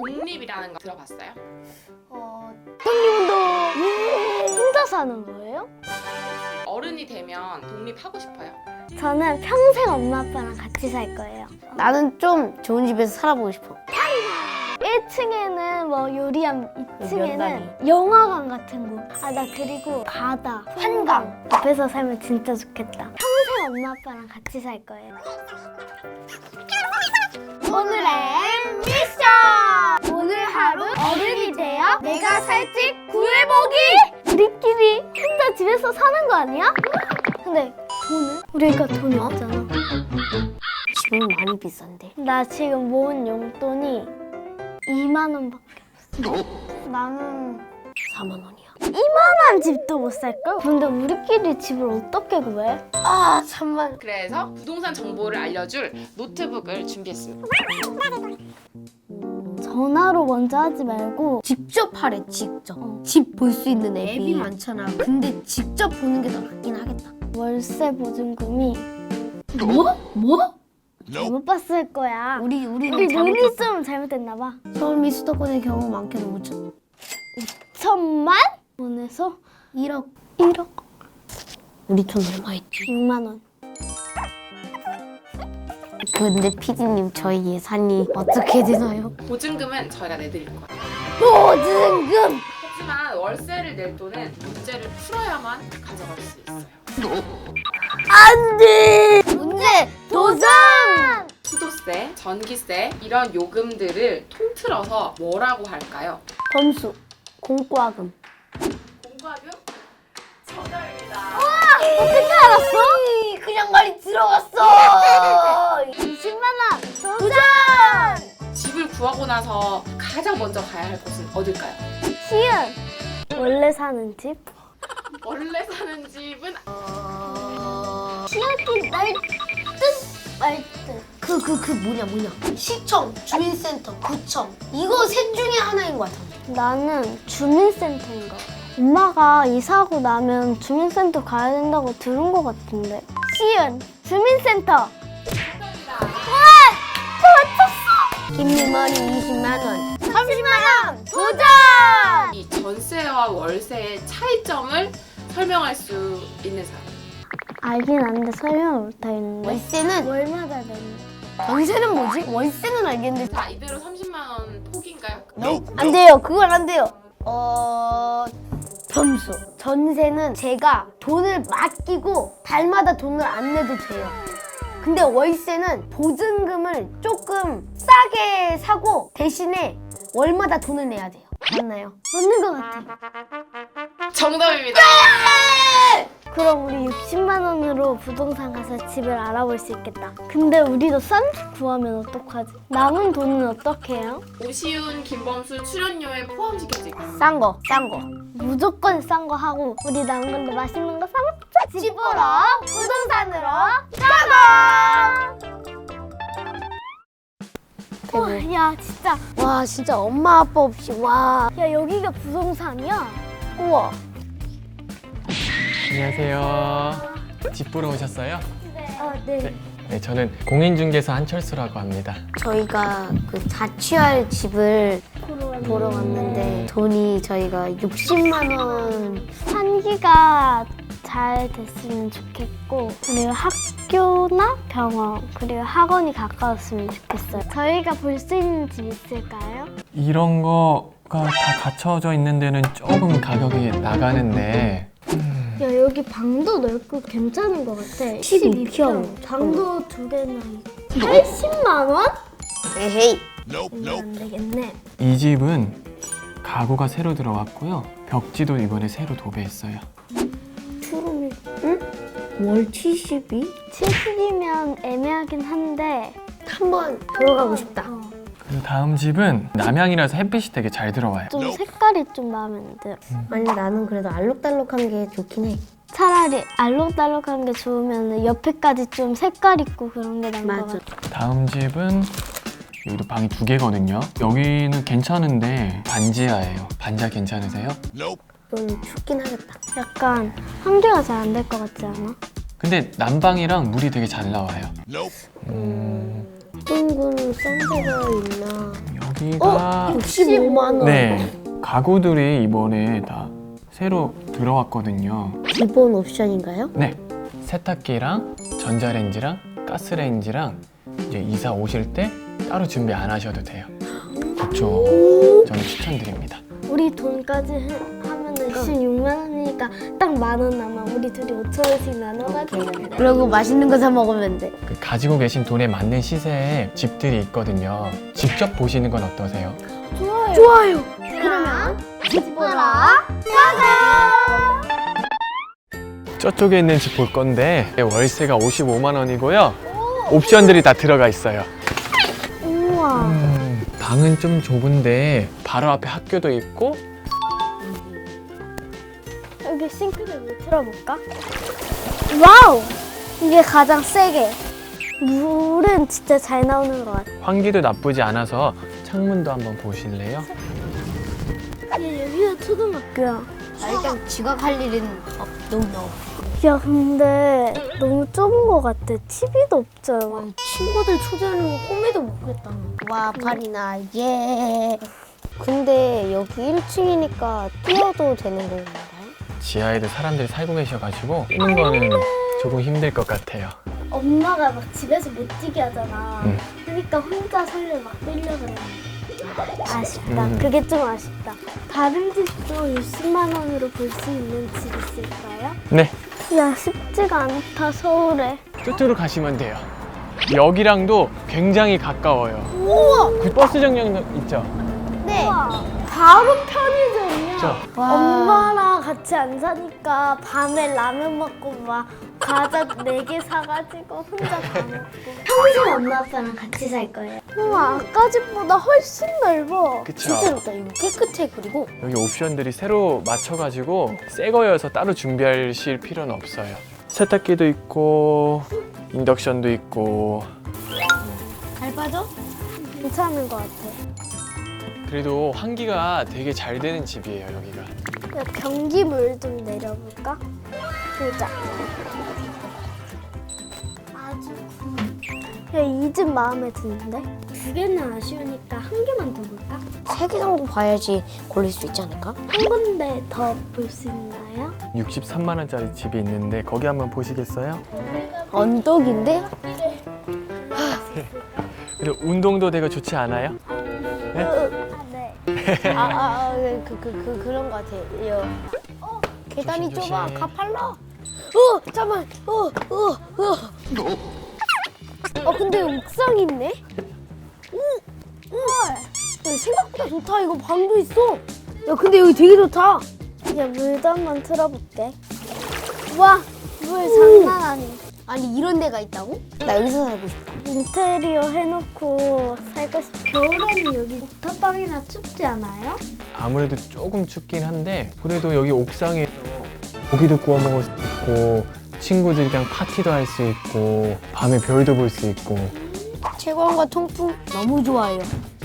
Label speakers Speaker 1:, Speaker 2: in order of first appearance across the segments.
Speaker 1: 독립이라는 거 들어봤어요?
Speaker 2: 독립운동 혼자 사는 거예요?
Speaker 1: 어른이 되면 독립하고 싶어요?
Speaker 2: 저는 평생 엄마 아빠랑 같이 살 거예요.
Speaker 3: 나는 좀 좋은 집에서 살아보고 싶어.
Speaker 2: 1층에는 뭐 요리함,
Speaker 3: 면단위.
Speaker 2: 2층에는 영화관 같은 곳. 아, 나 그리고 바다, 한강 앞에서 살면 진짜 좋겠다. 평생 엄마 아빠랑 같이 살 거예요. 오늘의 미션! 오늘 하루 어른이 되어 내가 살 집 구해보기! 우리끼리 혼자 집에서 사는 거 아니야? 근데 돈은? 우리가 돈이 없잖아.
Speaker 3: 집은 많이 비싼데.
Speaker 2: 나 지금 모은 용돈이 2만 원밖에 없어. 나는
Speaker 3: 4만 원이야.
Speaker 2: 이만한 집도 못 살걸? 근데 우리끼리 집을 어떻게 구해?
Speaker 3: 아, 잠만.
Speaker 1: 그래서 부동산 정보를 알려줄 노트북을 준비했습니다.
Speaker 2: 전화로 먼저 하지 말고
Speaker 3: 직접 하래, 직접. 집 볼 수 있는 앱이 많잖아. 근데 직접 보는 게 더 낫긴 하겠다.
Speaker 2: 월세 보증금이
Speaker 3: 뭐?
Speaker 2: 잘못 봤을 거야.
Speaker 3: 우리
Speaker 2: 우리 눈이 좀 잘못됐나 봐.
Speaker 3: 서울 수도권의 경우 많게는 5천.
Speaker 2: 5천만 원에서
Speaker 3: 1억.
Speaker 2: 1억
Speaker 3: 우리 돈 얼마 있지?
Speaker 2: 6만 원.
Speaker 3: 근데 피디님 저희 예산이 어떻게 되나요?
Speaker 1: 보증금은 저희가 내드릴 거예요.
Speaker 3: 보증금!
Speaker 1: 하지만 월세를 낼 돈은 문제를 풀어야만 가져갈 수 있어요.
Speaker 3: 안 돼! 문제 도전!
Speaker 1: 수도세, 전기세 이런 요금들을 통틀어서 뭐라고 할까요?
Speaker 3: 범수, 공과금.
Speaker 1: 공과금? 정답입니다.
Speaker 2: 어떻게 알았어?
Speaker 3: 그냥 말이 들어갔어!
Speaker 2: 20만 원 도전!
Speaker 1: 집을 구하고 나서 가장 먼저 가야 할 곳은 어딜까요?
Speaker 2: 시은 원래 사는 집?
Speaker 1: 원래 사는 집은
Speaker 2: 시약이 말듯
Speaker 3: 그 뭐냐. 시청, 주민센터, 구청. 이거 셋 중에 하나인 것 같아.
Speaker 2: 나는 주민센터인 것 같아. 엄마가 이사하고 나면 주민센터 가야 된다고 들은 것 같은데. 시은 주민센터.
Speaker 3: 김유머리 20만 원.
Speaker 2: 30만 원 도전!
Speaker 1: 이 전세와 월세의 차이점을 설명할 수 있는 사람.
Speaker 2: 알긴 아는데 설명을 못하겠는데.
Speaker 3: 월세는
Speaker 2: 월마다 내는.
Speaker 3: 전세는 뭐지? 월세는 알겠는데
Speaker 1: 자, 이대로 30만 원 포기인가요?
Speaker 3: 안 돼요. 그건 안 돼요. 점수. 전세는 제가 돈을 맡기고 달마다 돈을 안 내도 돼요. 근데 월세는 보증금을 조금 싸게 사고 대신에 월마다 돈을 내야 돼요. 맞나요?
Speaker 2: 맞는 것 같아.
Speaker 1: 정답입니다.
Speaker 2: 그럼 우리 60만 원으로 부동산 가서 집을 알아볼 수 있겠다. 근데 우리도 싼 집 구하면 어떡하지? 남은 돈은 어떻게 해요?
Speaker 1: 오시훈, 김범수 출연료에 포함시켜지고
Speaker 3: 싼 거.
Speaker 2: 무조건 싼 거 하고 우리 남은 걸로 맛있는 거 사 먹자. 집 보러 부동산으로 가자. 야 진짜
Speaker 3: 와 진짜 엄마 아빠 없이 와.
Speaker 2: 야 여기가 부동산이야?
Speaker 3: 우와.
Speaker 4: 안녕하세요. 집 보러 오셨어요?
Speaker 2: 네.
Speaker 4: 네, 저는 공인중개사 한철수라고 합니다.
Speaker 3: 저희가 그 자취할 집을 보러 왔는데 돈이 저희가 60만 원.
Speaker 2: 환기가 잘 됐으면 좋겠고 그리고 학교나 병원 그리고 학원이 가까웠으면 좋겠어요. 저희가 볼 수 있는 집 있을까요?
Speaker 4: 이런 거가 다 갖춰져 있는 데는 조금 가격이 나가는데
Speaker 2: 야 여기 방도 넓고 괜찮은 것 같아.
Speaker 3: 12평.
Speaker 2: 방도 2개나 있고 80만 원?
Speaker 3: 에헤이.
Speaker 2: 안 되겠네.
Speaker 4: 이 집은 가구가 새로 들어왔고요. 벽지도 이번에 새로 도배했어요.
Speaker 3: 투룸이 응? 월 72?
Speaker 2: 70이면 애매하긴 한데
Speaker 3: 한번 보러 가고 싶다.
Speaker 4: 그리고 다음 집은 남향이라서 햇빛이 되게 잘 들어와요.
Speaker 2: 좀 색깔이 좀 마음에 안 들어.
Speaker 3: 아니 나는 그래도 알록달록한 게 좋긴 해.
Speaker 2: 차라리 알록달록한 게 좋으면 옆에까지 좀 색깔 있고 그런 게 나은 것 같아.
Speaker 4: 다음 집은 여기도 방이 2개거든요. 여기는 괜찮은데 반지하예요. 반지하 괜찮으세요?
Speaker 3: 좀 춥긴 하겠다.
Speaker 2: 약간 환기가 잘 안 될 것 같지 않아?
Speaker 4: 근데 난방이랑 물이 되게 잘 나와요.
Speaker 3: 둥근 썬데가 있나?
Speaker 4: 여기가
Speaker 3: 65만 원.
Speaker 4: 네, 가구들이 이번에 다 새로 들어왔거든요.
Speaker 3: 기본 옵션인가요?
Speaker 4: 네, 세탁기랑 전자레인지랑 가스레인지랑 이제 이사 오실 때 따로 준비 안 하셔도 돼요. 그렇죠. 저는 추천드립니다.
Speaker 2: 우리 돈까지 하면은 26만 원이니까 딱 10,000원 남아. 우리 둘이 5,000원씩 나눠가지고.
Speaker 3: 그리고 맛있는 거 사 먹으면 돼.
Speaker 4: 그 가지고 계신 돈에 맞는 시세의 집들이 있거든요. 직접 보시는 건 어떠세요?
Speaker 3: 좋아요.
Speaker 2: 그러면
Speaker 3: 집 보러
Speaker 4: 저쪽에 있는 집 볼 건데 월세가 55만 원이고요. 옵션들이 다 들어가 있어요.
Speaker 2: 우와.
Speaker 4: 방은 좀 좁은데 바로 앞에 학교도 있고
Speaker 2: 여기 싱크대를 틀어볼까? 와우! 이게 가장 세게. 물은 진짜 잘 나오는 것 같아.
Speaker 4: 환기도 나쁘지 않아서 창문도 한번 보실래요?
Speaker 2: 여기가 초등학교야.
Speaker 3: 일단 지각할 일은 너무
Speaker 2: 야, 근데 너무 좁은 것 같아. TV도 없잖아.
Speaker 3: 친구들 초대하는 거 꿈에도 모르겠다. 와 파리나 예. 근데 여기 1층이니까 뛰어도 되는 건가요?
Speaker 4: 지하에도 사람들이 살고 계셔가지고 뛰는 거는 조금 힘들 것 같아요.
Speaker 2: 엄마가 막 집에서 못 뛰게 하잖아.
Speaker 4: 음.
Speaker 2: 그러니까 혼자 설레 막 뛰려고 그래. 아쉽다.
Speaker 4: 음.
Speaker 2: 그게 좀 아쉽다. 다른 집도 60만 원으로 볼 수 있는 집 있을까요?
Speaker 4: 네,
Speaker 2: 야, 쉽지가 않다, 서울에.
Speaker 4: 저쪽으로 가시면 돼요. 여기랑도 굉장히 가까워요.
Speaker 2: 우와!
Speaker 4: 그 버스 정류장 있죠?
Speaker 2: 네. 바로 편의점이야.
Speaker 4: 그렇죠?
Speaker 2: 엄마랑 같이 안 사니까 밤에 라면 먹고 막 과자 4개 사가지고 혼자 다 먹고. 평생 엄마 아빠랑 같이 살 거예요. 우와, 아까 집보다 훨씬 넓어.
Speaker 4: 그쵸?
Speaker 3: 진짜 좋다. 이거 깨끗해. 그리고
Speaker 4: 여기 옵션들이 새로 맞춰가지고 새 거여서 따로 준비하실 필요는 없어요. 세탁기도 있고 인덕션도 있고
Speaker 3: 잘 빠져?
Speaker 2: 괜찮은 것 같아.
Speaker 4: 그래도 환기가 되게 잘 되는 집이에요, 여기가.
Speaker 2: 야, 변기물 좀 내려볼까? 보자. 아주 야, 이 집 마음에 드는데? 2개는 아쉬우니까 1개만 더 볼까?
Speaker 3: 3개 정도 봐야지 고를 수 있지 않을까?
Speaker 2: 한 군데 더 볼 수 있나요?
Speaker 4: 63만 원짜리 집이 있는데 거기 한번 보시겠어요?
Speaker 3: 언덕인데?
Speaker 4: 그리고 운동도 되게 좋지 않아요?
Speaker 2: 네.
Speaker 3: 그런 거 같아요. 계단이
Speaker 4: 조심,
Speaker 3: 좁아.
Speaker 4: 조심.
Speaker 3: 가팔라. 잠깐만.
Speaker 2: 근데 옥상 있네?
Speaker 3: 야, 생각보다 좋다. 이거 방도 있어. 야, 근데 여기 되게 좋다.
Speaker 2: 야, 물도 한번 틀어볼게. 와, 물 장난 아니.
Speaker 3: 아니, 이런 데가 있다고? 나 여기서 살고 싶어.
Speaker 2: 인테리어 해놓고 살고 싶어. 겨울에는 여기 옥탑방이나 춥지 않아요?
Speaker 4: 아무래도 조금 춥긴 한데 그래도 여기 옥상에서 고기도 구워 먹을 수 있고 친구들이랑 파티도 할 수 있고 밤에 별도 볼 수 있고
Speaker 3: 채광과 통풍 너무 좋아요.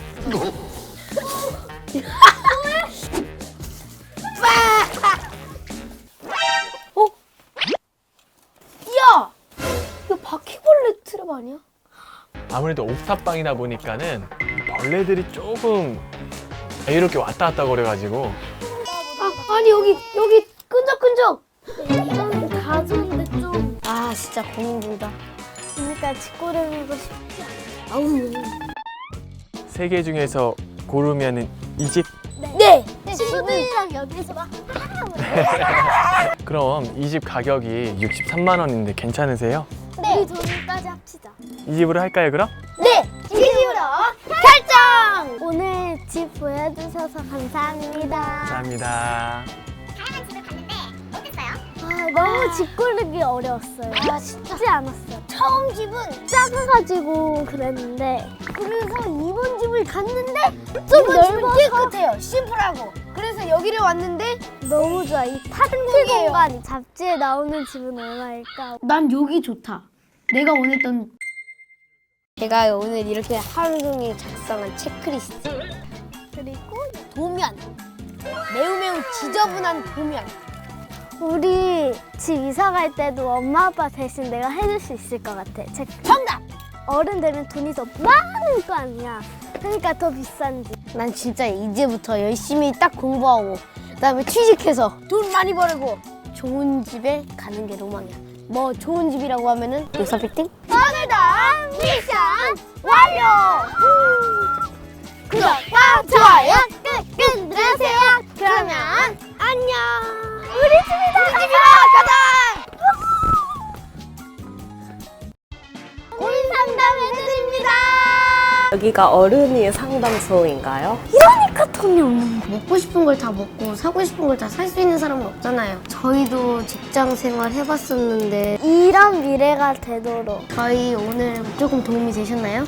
Speaker 3: 야! 이거 바퀴벌레 트랩 아니야?
Speaker 4: 아무래도 옥탑방이다 보니까는 벌레들이 조금 자유롭게 왔다 갔다 거려가지고
Speaker 3: 아니 여기 끈적끈적.
Speaker 2: 이건 다 좋은데 좀.
Speaker 3: 아 진짜 고민된다.
Speaker 2: 그러니까 집 고르고 싶지 않아.
Speaker 3: 아우.
Speaker 4: 세 개 중에서 고르면은 이 집?
Speaker 3: 네.
Speaker 2: 친구들이랑 여기서 막.
Speaker 4: 그럼 이 집 가격이 63만 원인데 괜찮으세요?
Speaker 2: 우리 돈까지 합치자.
Speaker 4: 이 집으로 할까요 그럼?
Speaker 3: 네. 이 집으로 결정.
Speaker 2: 오늘 집 보여주셔서 감사합니다.
Speaker 4: 감사합니다.
Speaker 2: 너무 집 고르기 어려웠어요. 쉽지 않았어요. 처음 집은 작아가지고 그랬는데 그래서 이번 집을 갔는데 좀
Speaker 3: 이번 집은
Speaker 2: 넓어서
Speaker 3: 깨끗해요. 심플하고. 그래서 여기를 왔는데
Speaker 2: 너무 좋아. 이 파티 공간이 잡지에 나오는 집은 얼마일까?
Speaker 3: 난 여기 좋다. 내가 원했던. 제가 오늘 이렇게 하루 종일 작성한 체크리스트.
Speaker 2: 그리고
Speaker 3: 도면. 매우 지저분한 도면.
Speaker 2: 우리 집 이사 갈 때도 엄마 아빠 대신 내가 해줄 수 있을 것 같아.
Speaker 3: 정답.
Speaker 2: 어른 되면 돈이 더 많을 거 아니야. 그러니까 더 비싼지.
Speaker 3: 난 진짜 이제부터 열심히 딱 공부하고 그다음에 취직해서 돈 많이 벌고 좋은 집에 가는 게 로망이야. 뭐 좋은 집이라고 하면은 요사빌딩?
Speaker 2: 오늘도 미션 완료! 구독과 좋아요 꾹꾹 누르세요. 그러면 안녕. 우리 집이다. 가자. 고민 상담해드립니다.
Speaker 5: 여기가 어른이 상담소인가요?
Speaker 2: 이러니까 돈이 없는 거.
Speaker 3: 먹고 싶은 걸 다 먹고 사고 싶은 걸 다 살 수 있는 사람은 없잖아요. 저희도 직장 생활 해봤었는데
Speaker 2: 이런 미래가 되도록
Speaker 3: 저희 오늘 조금 도움이 되셨나요?